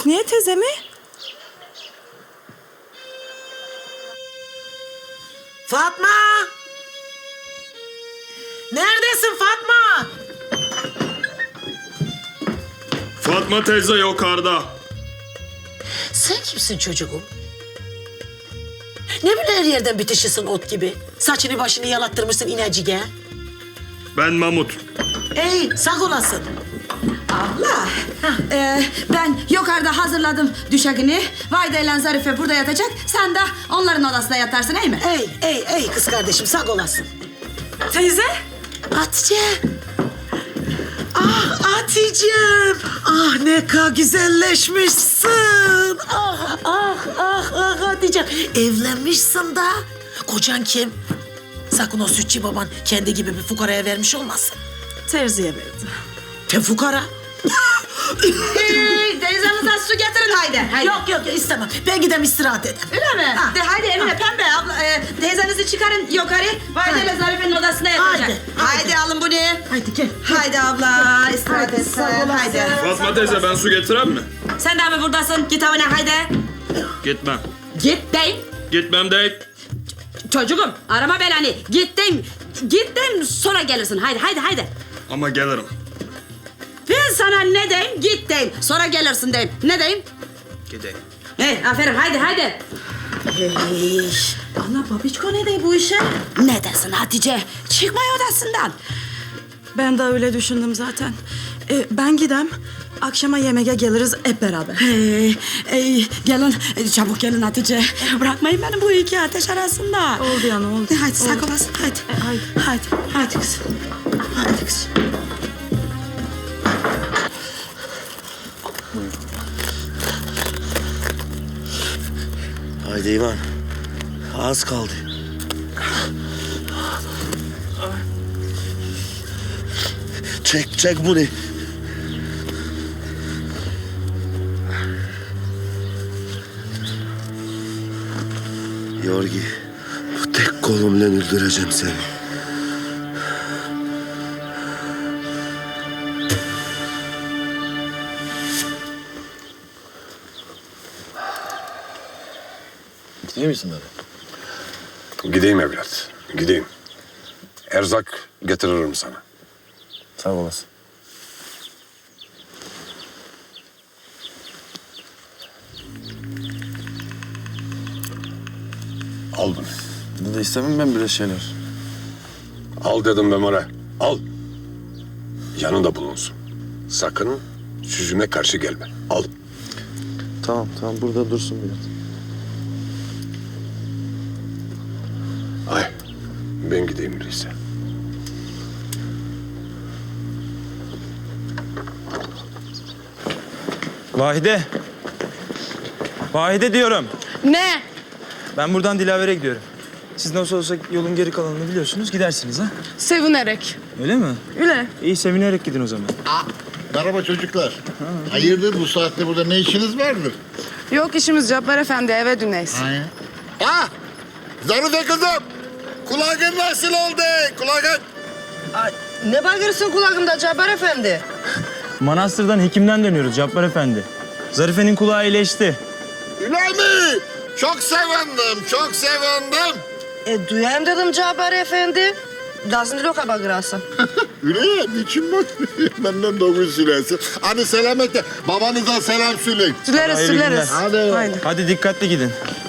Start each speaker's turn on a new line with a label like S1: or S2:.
S1: Hüsniye teyze mi?
S2: Fatma! Neredesin Fatma?
S3: Fatma teyze yukarıda.
S2: Sen kimsin çocuğum? Ne böyle her yerden bitişisin ot gibi? Saçını başını yalattırmışsın inecige.
S3: Ben Mahmut.
S2: Ey sağ olasın.
S4: Abla, ben yukarıda hazırladım düşegini. Vayda ile Zarife burada yatacak. Sen de onların odasında yatarsın, değil mi?
S2: Ey kız kardeşim sağ olasın.
S1: Teyze?
S2: Hatice. Ah Hatice'm. Ah ne kadar güzelleşmişsin. Ah Hatice. Evlenmişsin da. Kocan kim? Sakın o sütçü baban kendi gibi bir fukaraya vermiş olmasın.
S1: Terziye verdi.
S2: Te fukara.
S4: Teyzenize su getirin haydi.
S2: Yok istemem. Ben gidem istirahat edeyim.
S4: Öyle mi?
S2: Ha.
S4: De haydi Emine Pembe abla, teyzenizi çıkarın yukarı. Vayda ile Zarife'nin odasına yatacak.
S2: Haydi.
S4: Alın bunu.
S2: Haydi gel.
S4: Haydi abla, istirahat et sen. Haydi.
S3: Fatma teyze ben su getirem mi?
S4: Sen de mi buradasın? Git evine haydi.
S3: Gitmem.
S4: Git deyim.
S3: Gitmem değil.
S4: Çocuğum arama belanı. Git deyim. Git deyim sonra gelirsin. Haydi.
S3: Ama gelirim.
S4: Ben sana ne deyim? Git deyim. Sonra gelirsin deyim. Ne deyim?
S3: Gideyim.
S4: Aferin haydi.
S2: Hey.
S4: Ana babiçko ne dey bu işe? Ne dersin Hatice? Çıkma odasından.
S1: Ben de öyle düşündüm zaten. Ben gidem. Akşama yemeğe geliriz hep beraber.
S4: Gelin çabuk gelin Hatice. Bırakmayın beni bu iki ateş arasında.
S1: Oldu yani oldu.
S4: Hadi sağ olasın hadi. Hadi kız. Hadi kız.
S5: Haydi İvan. Az kaldı. Çek bunu. Yorgi, bu tek kolumla öldüreceğim seni.
S6: Gidiyor musun baba?
S7: Gideyim evlat, gideyim. Erzak getiririm sana.
S6: Sağ olasın.
S7: Al bunu.
S6: Bunu da istemem ben böyle şeyler.
S7: Al dedim Memore, al. Yanında bulunsun. Sakın yüzüme karşı gelme. Al.
S6: Tamam burada dursun biraz.
S7: Ay, ben gideyim öyleyse.
S8: Vahide diyorum.
S1: Ne?
S8: Ben buradan Dilaver'e gidiyorum. Siz nasıl olsa yolun geri kalanını biliyorsunuz. Gidersiniz ha.
S1: Sevinerek.
S8: Öyle mi?
S1: Öyle.
S8: İyi sevinerek gidin o zaman.
S9: Merhaba çocuklar. Hayırdır bu saatte burada ne işiniz vardır?
S1: Yok işimiz Cabbar Efendi eve döneyiz.
S9: Ha? Zarife kızım. Kulağın nasıl oldu? Kulağın.
S4: Ne bakırsın kulağımda Cabbar Efendi?
S8: Manastırdan hekimden dönüyoruz Cabbar Efendi. Zarife'nin kulağı iyileşti.
S9: Öyle mi? Çok sevindim.
S4: Duyayım dedim Cabbar Efendi. Dasın loka bakırasın.
S9: Öyle ya, niçin bak? Benden doğru söylersin. Hadi selametle. Babanıza selam söyleyin.
S1: Süleriz.
S8: Hayırlı günler.
S9: Hadi.
S8: Hadi dikkatli gidin.